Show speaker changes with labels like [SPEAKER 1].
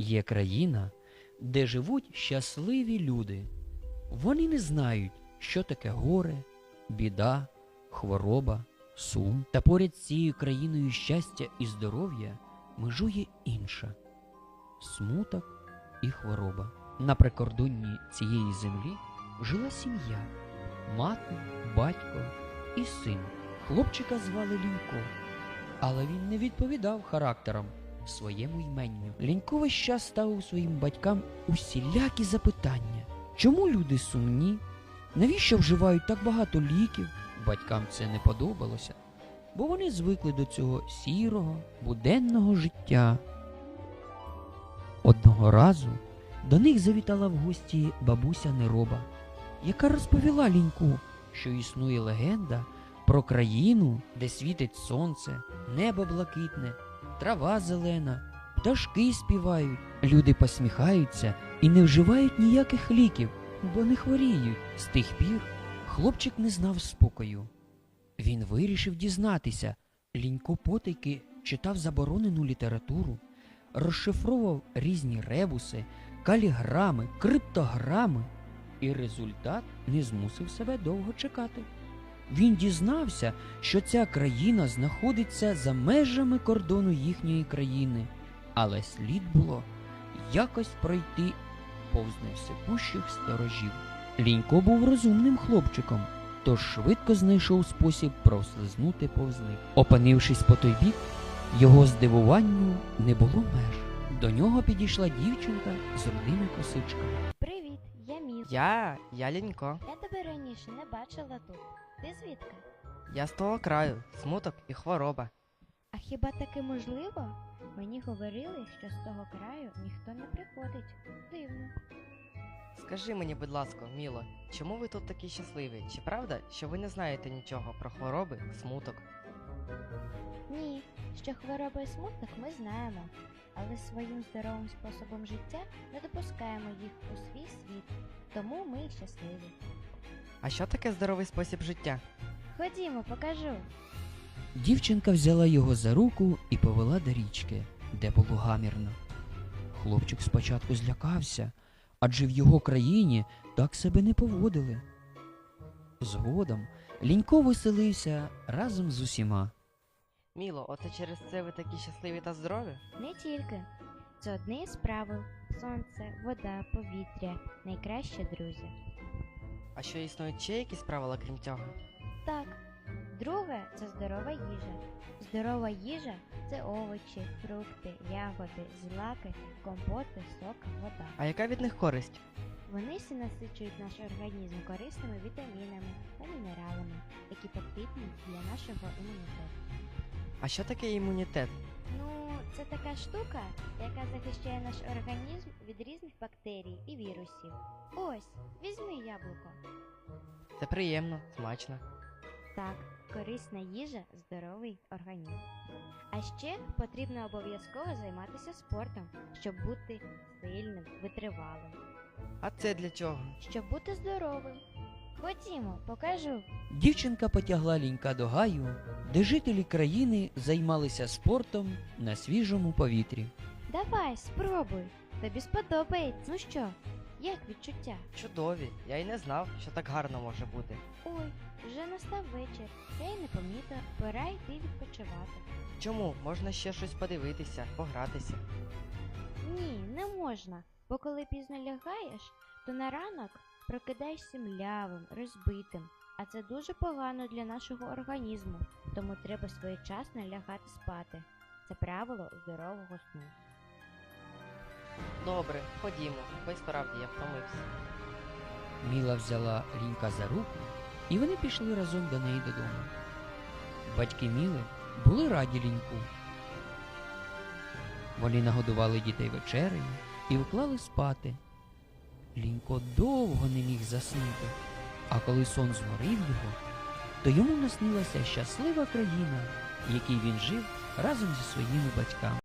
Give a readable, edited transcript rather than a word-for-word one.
[SPEAKER 1] Є країна, де живуть щасливі люди. Вони не знають, що таке горе, біда, хвороба, сум. Та поряд з цією країною щастя і здоров'я межує інша – смуток і хвороба. На прикордонні цієї землі жила сім'я – мати, батько і син. Хлопчика звали Лінько, але він не відповідав характером своєму йменню. Лінько весь час ставив своїм батькам усілякі запитання. Чому люди сумні? Навіщо вживають так багато ліків? Батькам це не подобалося, бо вони звикли до цього сірого, буденного життя. Одного разу до них завітала в гості бабуся Нероба, яка розповіла Ліньку, що існує легенда про країну, де світить сонце, небо блакитне, трава зелена, пташки співають, люди посміхаються і не вживають ніяких ліків, бо не хворіють. З тих пір хлопчик не знав спокою. Він вирішив дізнатися. Лінько потайки читав заборонену літературу, розшифровував різні ребуси, каліграми, криптограми, і результат не змусив себе довго чекати. Він дізнався, що ця країна знаходиться за межами кордону їхньої країни, але слід було якось пройти повз невсипущих сторожів. Лінько був розумним хлопчиком, тож швидко знайшов спосіб прослизнути повз них. Опинившись по той бік, його здивуванню не було меж. До нього підійшла дівчинка з рудими косичками.
[SPEAKER 2] Привіт, я Міла.
[SPEAKER 3] Я Лінько.
[SPEAKER 2] Я тебе раніше не бачила тут. Ти звідки?
[SPEAKER 3] Я з того краю, смуток і хвороба.
[SPEAKER 2] А хіба таке можливо? Мені говорили, що з того краю ніхто не приходить. Дивно.
[SPEAKER 3] Скажи мені, будь ласка, Міло, чому ви тут такі щасливі? Чи правда, що ви не знаєте нічого про хвороби, смуток?
[SPEAKER 2] Ні, що хвороби і смуток ми знаємо, але своїм здоровим способом життя не допускаємо їх у свій світ, тому ми й щасливі.
[SPEAKER 3] А що таке здоровий спосіб життя?
[SPEAKER 2] Ходімо, покажу.
[SPEAKER 1] Дівчинка взяла його за руку і повела до річки, де було гамірно. Хлопчик спочатку злякався, адже в його країні так себе не поводили. Згодом Лінько веселився разом з усіма.
[SPEAKER 3] Міло, оце через це ви такі щасливі та здорові?
[SPEAKER 2] Не тільки. Це одне із правил. Сонце, вода, повітря – найкращі друзі.
[SPEAKER 3] А що існують ще якісь правила, крім цього?
[SPEAKER 2] Так. Друге – це здорова їжа. Здорова їжа – це овочі, фрукти, ягоди, злаки, компоти, сок, вода.
[SPEAKER 3] А яка від них користь?
[SPEAKER 2] Вони всі насичують наш організм корисними вітамінами та мінералами, які потрібні для нашого імунітету.
[SPEAKER 3] А що таке імунітет?
[SPEAKER 2] Ну, це така штука, яка захищає наш організм від різних бактерій і вірусів. Ось, візьми яблуко.
[SPEAKER 3] Це приємно, смачно.
[SPEAKER 2] Так, корисна їжа – здоровий організм. А ще потрібно обов'язково займатися спортом, щоб бути сильним, витривалим.
[SPEAKER 3] А це для чого?
[SPEAKER 2] Щоб бути здоровим. Ходімо, покажу.
[SPEAKER 1] Дівчинка потягла Лінька до гаю, де жителі країни займалися спортом на свіжому повітрі.
[SPEAKER 2] Давай, спробуй. Тобі сподобається. Ну що, як відчуття?
[SPEAKER 3] Чудові, я й не знав, що так гарно може бути.
[SPEAKER 2] Ой, вже настав вечір. Я й не помітила, пора йти відпочивати.
[SPEAKER 3] Чому? Можна ще щось подивитися, погратися.
[SPEAKER 2] Ні, не можна, бо коли пізно лягаєш, то на ранок прокидаєшся млявим, розбитим, а це дуже погано для нашого організму, тому треба своєчасно лягати спати. Це правило здорового сну.
[SPEAKER 3] Добре, ходімо, бо й справді я втомився.
[SPEAKER 1] Міла взяла Лінька за руку, і вони пішли разом до неї додому. Батьки Міли були раді Ліньку. Вони нагодували дітей вечерею і вклали спати. Лінько довго не міг заснути, а коли сон зморив його, то йому наснилася щаслива країна, в якій він жив разом зі своїми батьками.